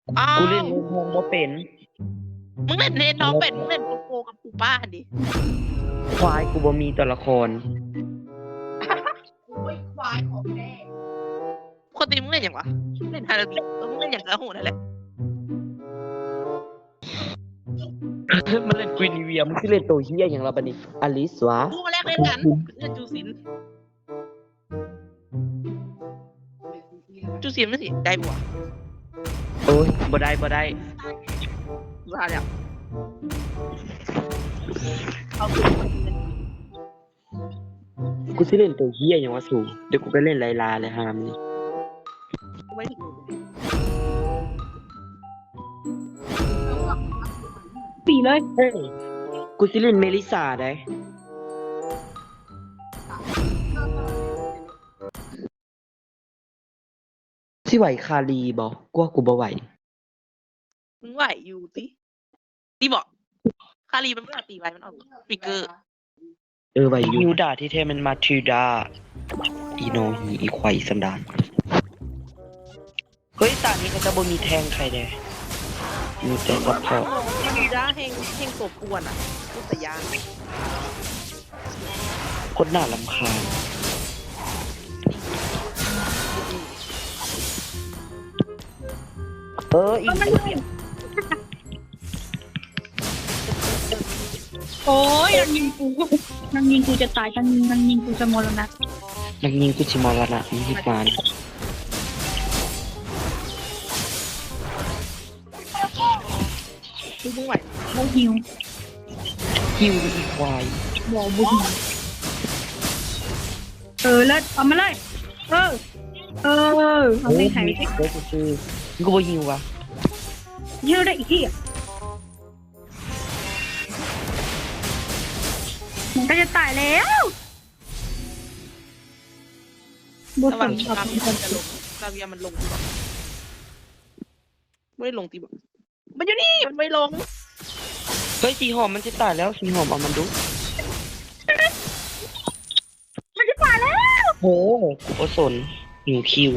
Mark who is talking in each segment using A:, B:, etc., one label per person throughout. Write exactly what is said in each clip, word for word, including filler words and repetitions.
A: อ้า
B: กูเล่น
A: ว
B: เล่นทองบ่เป็น
A: มึงเล่นเนน้องเป็ดมึงเล่นโกโก้กับปูป้าดิ
B: ควายกูบ่มีตัวละคร
C: โอ้ยควายของแม่
A: ปกติมึงเล่นอย่างวะเล่นฮาราบิเออมึงเล่นอย่างกระหูนั่นแหละ
B: มันเล่นกรีนเวียมันคือเล่นตัวเฮียอย่างเราบัดนี้อลิสวะ
A: กูมาแรกเล่นกันเล่นจูซินจูซินไม่สิได้บัว
B: โอ้ยบ่ได้บ่ได้
A: ว่าแล้วเอา
B: กูสิเล่นตัวเฮียอย่างวะสูเดี๋ยวกูไปเล่นไลลาเลยฮามนี่
A: ไม่ถึง
C: ปีเลย
B: เฮ้ยกูสิเล่นเมลิซาได้สิไหวคารีบ่กูว่ากูบ่ไหว
A: มึงไหวอยู่ติตีบอกคารีมันไม่เอาตีไว้มันเอาปิกเกอร์
B: เออไหวอยู่ยูดาที่แท้มันมาทิวดาอีโนฮีอีควายอีสันดานเฮ้ยตานี้เขาจะบ่มีแทงใครเด้มีแต่ซัพพอร์ต
A: มันดีด้าแห่งแห่งตัวป่วนอ่ะพูดแต่ยาง
B: คนน่ารำคาญเอออีก
C: โอ้ยนางยิงกูนางยิงกูจะตายนางยิงนางยิงกูจะมรณะ
B: นักยิงกุชิมอรณะมีฮิตมาน
A: คือมึงไหว
C: โมหิว
B: ฮิวอีควาย
C: บอบุญเออแล้วเอามาเลยเออเออเอาไม่หายไปสิ
B: เฮ้ยกูซื้อมึงกูบ่ฮิววะ
C: เยอะได้อีกที่อ่ะมันก็จะตายแล้วบุ
A: ระห
C: ษ
A: ว่าง
C: น
A: กาเวียมันจะลงกาเวียมันลงตีบอกไม่ได้ลงตีบอกมันอยู่นี่มันไม่ลง
B: เฮ้ยสีหอมมันจะตายแล้วสีหอมเอามันดู
C: มันจะตายแล้ว
B: โหโอสนหิวคิว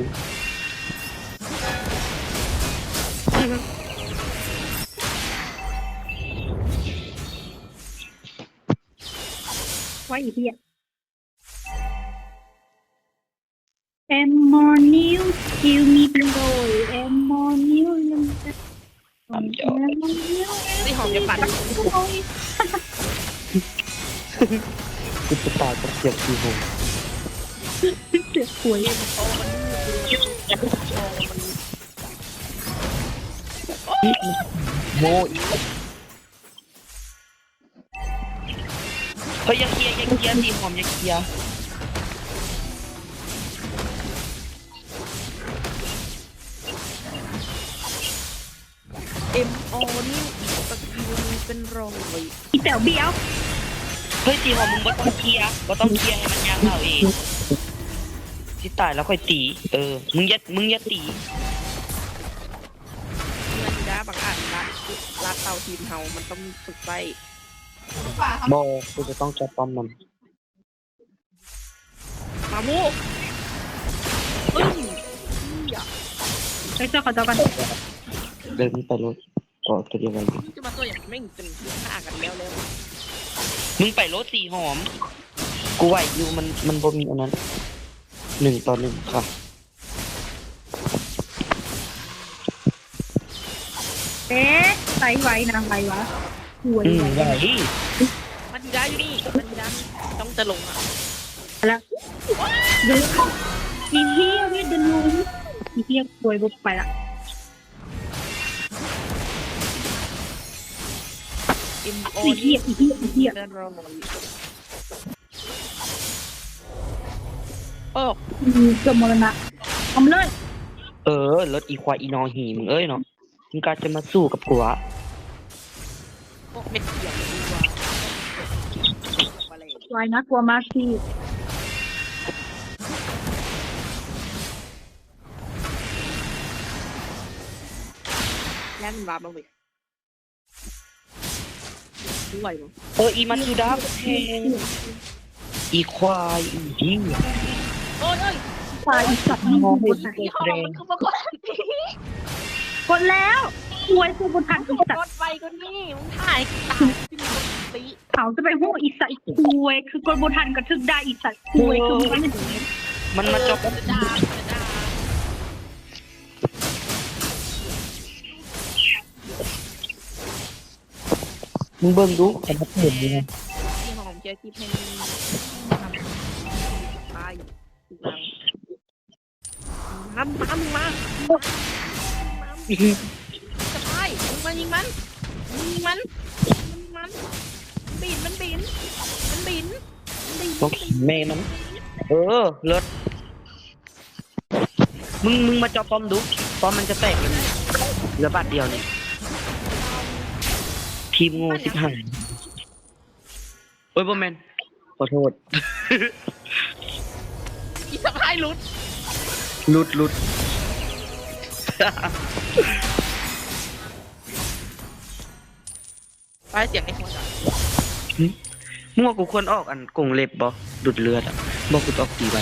C: ไว้อีกที่อ่ะ M more new kill me below M more new
B: ทำจอ
C: M more new
A: ตีหอมจะปัด
B: กูจะตายกับเสียงสีหอม
C: เสือกป่วย
A: โอ้มัน
B: โมอีกเฮ้ยยังเคลียร์ยังเคลียร์สีหอมยังเคลียร์
A: เอ็มโอนี่สกิลเป็นรองเลย
C: อีแต๋วเบี้ยว
B: เฮ้ยสีหอมมึงบ่ต้องเคลียร์บ่ต้องเคลียร์ให้มันยางเอาเองที่ตายแล้วค่อยตี เออ มึงอย่ามึงอย่าตี
A: เงินด้าบางอ่านละลาดเตาทีมเฮามันต้องฝึกไป
B: บอกกูจะต้องจับป้อมมัน
A: มามูเฮ้ย
C: ไปเจ้าขอเจ้ากัน
B: เดินไปรถก็ตัวเดียวกัน
A: จะมาตัวอย่างไม่เป็นฆ่ากันแล้วแล้ว
B: มึงไปรถสีหอม กูไหวอยู่มันมันบ่มีอันนั้นหนึ่งต่อหนึ่งค่ะ
C: เอ๊ะไตไว้นางไรวะป่วย
B: อืม
C: ไว้
B: ไหว
A: มันดีด้าอยู่นี่มันดีด้าต้องจะลงอ่ะ
C: แล้วเดินอีเหี้ยเวียดเดินลงอีเหี้ยป่วยบุกไปละ
A: เอ็มโอ
C: อีเหี้ยอีเหี้ยอีเหี้ย
A: เป็นรองโอ้
C: อืมเกือบมรณะทำเลย
B: เออรถอีควายอีนอหีมึงเอ้ยเนาะมึงกาจะมาสู้กับกูอะ
A: พวกเม็ดเขียวดีกว่าอะไร
C: ไว้นะกลัวมากที่
A: แน่นวาบลงไปด้วยมั้ง
B: เอออีมาทูดาแทงอีควายอีเหี้ย
A: โอ้ยโอ้ย
C: ตายอีสัตว์นี่
B: มองไม่
C: กู
B: เห็น
C: ตาย
A: ยี่ห้อมันคือมาก่อนที
C: กดแล้วควยคือบนทันอีสัต
A: ร
C: ว์
A: ถไฟก็นี่มึงถ่ายตายที่มึงตี
C: เขาจะไปโห่อีสัตว์ควยคือกดบนทันก็ทึกได้อีสัตว์ควยคือมันไม่ถึง
B: มันมาจบ
A: จะด่าจะด่า
B: มึงเบิ่งดูแต่มันเห็นยังไง
A: ที่หอมเจอที่เพนทำตายถูกแล้วมามามึงมาจะตายมึงมายิงมันยิงมันยิงมันบินมันบินมันบินมันบิน
B: ต้องแม่มัน เออเลิศมึงมึงมาจอป้อมดูป้อมมันจะแตกเลยเหลือบาทเดียวนี่ทีมงูสิบห้าโอ้ยบอแมนขอโทษ
A: อีสะพายลุด
B: หลุดหลุด
A: ไปเสียงไอ้หัวจ้ะ
B: มั่วกูควรออกอันกงเล็บบ่ดุดเลือดอ่ะบอกกูจะออกตีไว้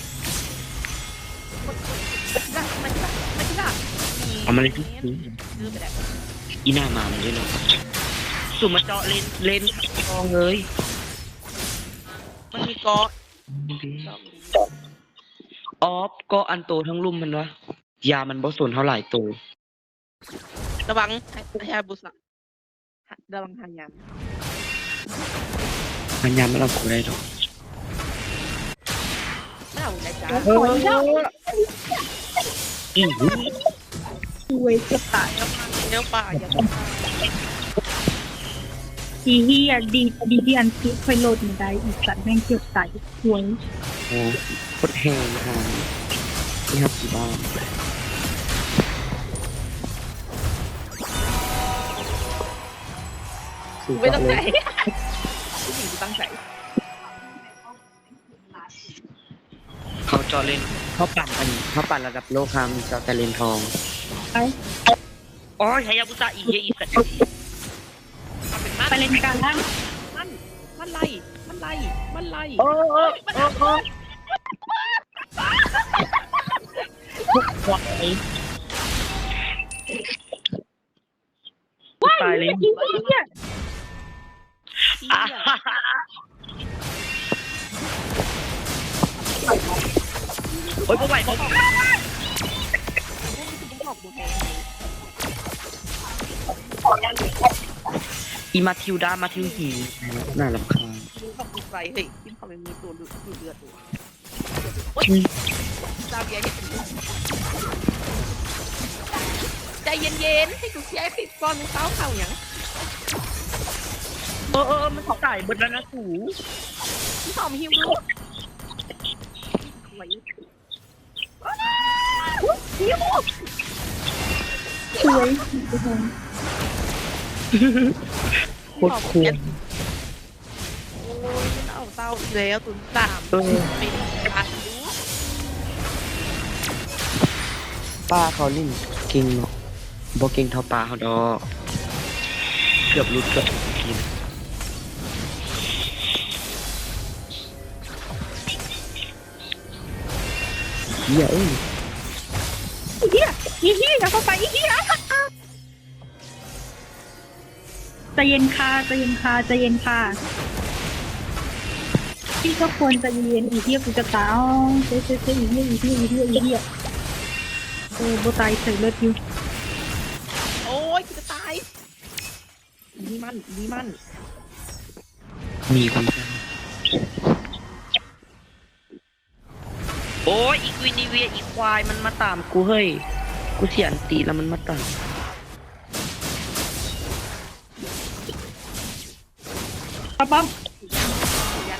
A: มามาที่ละมาที่ละ
B: เอามาเลย
A: ลืมไปแล้ว
B: อีหน้ามามันด้วยเนาะสุ่มมาเจาะเลนเลนทองเลย
A: มันมีกอ
B: ออฟก็อันโตทั้งลุ่มมันวะยามันบ่สนเท่าไหร่โต
A: ระวังฮาบุสะระวังหันยาม
B: มันยามันเอากูได้หรอก
A: ไม่เอาใจจ้า
C: ขอเล่า
B: อือหือ
C: ควยจะตาย
A: เดี๋ยวป่าอย่า
C: อีเหี้ยดีดีที่อันคิดค่อยโหลดไม่ได้อีสัตว์แม่งเกือบตายควย
B: โอ้โคตรแหงนะนี่ครับกี่บ้าน
A: ไม่ต้องใจผู้หญิงตั้งใจ
B: เขาเจาะเลนเขาปั่นอันเขาปั่นระดับโลกครับเจาะแต่เลนทอง
C: ไป
B: อ๋อไฮยาบุสะอีเหี้ยอีสัตว์
A: เป็นมัน
C: ไปเล่นการล่าง
A: มันมันไล่มันไล่มันไล่
B: โอ้โอ้โอ้โอ้ทุกควาย
C: ว้าย
B: ตายเลย
C: อีเหี้ย
B: อ่าฮ่าฮ่าโอ้ยบ่ไหวบ่ไหว อีมาทิวดามาทิวหีน่ารำคาญ
A: ขอบคุณไปเฮ้ยที่เขาไม่มีตัวดูดเลือดตัวดาวเบียร์ใจเย็นๆให้กูเชียร์ปิดบอลเท้าเข่าอย่าง
B: เออเออมันตายเบิดแล้วนะสู
A: ที่หอมฮิวดูไหว
C: สวยทุกคน
B: โคตรคูล
A: โอ้ยมันเอาเต้าอีกแล้วตุนสาม
B: เออ
A: เป็นการดู
B: ป้าเขาลิ่นเก่งเนาะบ่เก่งเท่าป้าเขาดอกเกือบรุดเกือบกินเหี้ยเอ้ย
C: อีเหี้ยอีเหี้ยอย่าเข้าไปอีเหี้ยใจเย็นค่ะใจเย็นค่ะใจเย็นค่ะพี่ก็ควรใจเย็นอีเหี้ยกูจะตายอ๋อเจ๊เจ๊เจ๊อีเหี้ยอีเหี้ยอีเหี้ยอีเหี้ยเออโบตายใส่เลือดอยู่
A: โอ้ยกูจะตายนี่มันนี่มัน
B: มีคนจ้างโอ้ยอีกวินิเวียอีควายมันมาตามกูเฮ้ยกูเสียอันตีแล้วมันมาตาม
C: ป๊อปป๊อป
A: ยัน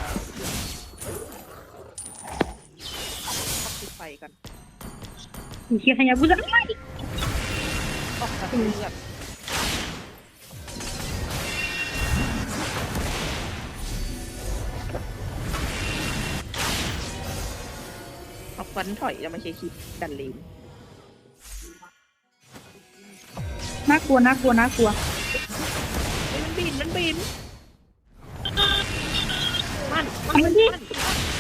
A: ปิดไฟกัน
C: อีเหี้ยขยับกูจะ
A: ออกจากเลือดเอาฟันถอยแล้วมาใช้คิดดันเลน
C: น่ากลัวน่ากลัวน่ากลัว
A: เฮ้ยมันบินมันบินมัน
C: เอามันดิ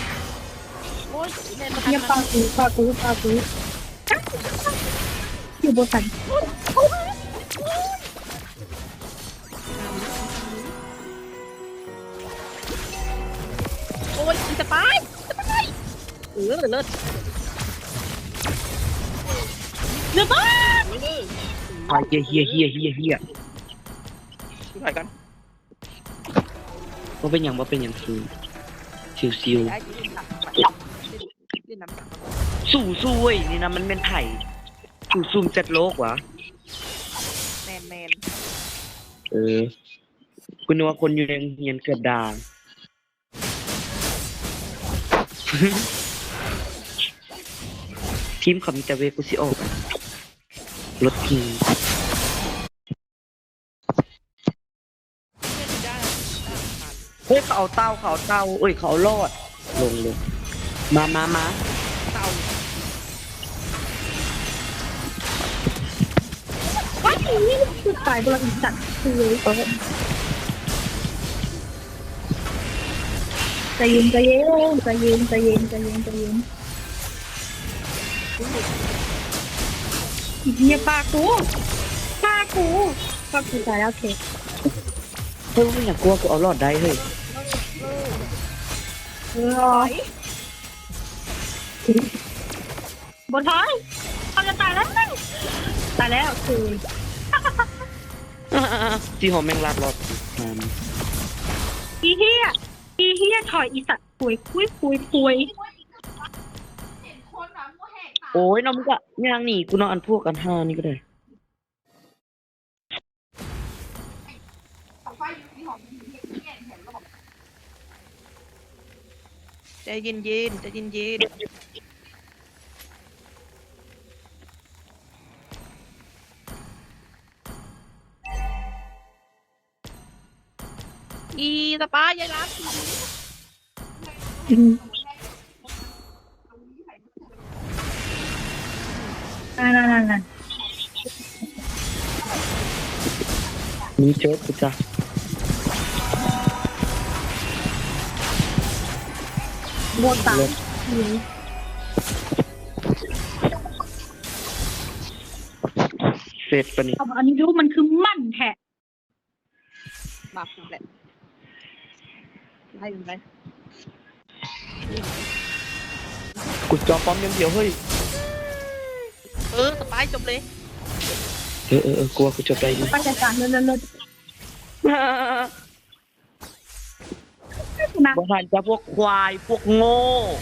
A: โอ้ยเล่นมา
C: เงียบปากูปากูปากูอยู่โบตัน
A: โอ้ยอีสปายสปายเออเลิศเลิศมาก
B: อ่ะเฮียเฮียเฮียเฮียเฮีย
A: ถ่ายกัน
B: ว่าเป็นอย่างว่าเป็นอย่างซิวซิวซิว
A: ได้ยินหนักเล่นน้ำหนัก
B: สู้สู้เว้ยนี่นะมันเป็นไผ่สู้ซุ่มจัดโลกวะ
A: แมนแมน
B: เออคุณนึกว่าคนอยู่ในโรงเรียนเกิดดา ทีมเขามีแต่เวกุซิโออกรถทีม
A: เล่นได้
B: เฮ้ยเขาเอาเต้าเขาเอาเต้าเอ้ยเขาเอารอดลงลงมามามา
A: เต่า
C: ว้ายคือตายบลังอีสัตว์คือ
B: เออ
C: ใจเย็นใจเย็นใจเย็นใจเย็นใจเย็นใจเย็นอีเหี้ยปากกูปากกูปากกูตายแล้วโอเค
B: เฮ้ยไม่อยากกลัวกูเอารอดได้เฮ้ย
C: เออบนท้ายเขาจะตายแล้วตายแล้วคือ
B: จีหอมแมงลาดรอดมัน
C: อีเหี้ยอีเหี้ยถอยอีสัตว์คุยคุยคุยคุย
B: โอ้ยน้องมึงก็ย่างหนีกูนอนอันพวกกันห้านี่ก็ได้
A: ใจเย็นเย็นใจเย็นเย็นอีสปายยายรัก
C: อืมนั่นนั่นนั่นนั่น
B: มีเจอกูจ้ะ
C: โบตาย
B: เสร็จปะนี่
C: เอาอันนี้รู้มันคือมั่นแท้
A: มาคุณแหละให้มันไป
B: กูจอป้อมยังเดียวเฮ้ย
A: เออสปายจบเลย
B: เออเออเออกลัวกูจบได้ดิ
C: ไปจัดการเลิศเลิศเลิศนะ
B: บางทีจะพวกควายพวกโง่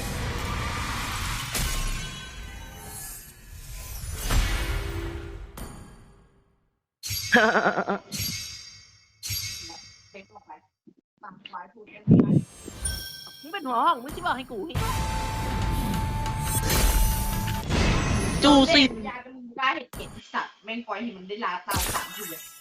A: มึงเป็นหัวห้องมึงที่บอกให้กูให้จูสิ
D: ยาเป็นมึงได้เห็นสัตว์แม่งปล่อยให้มันได้ลาตามสามทีเลย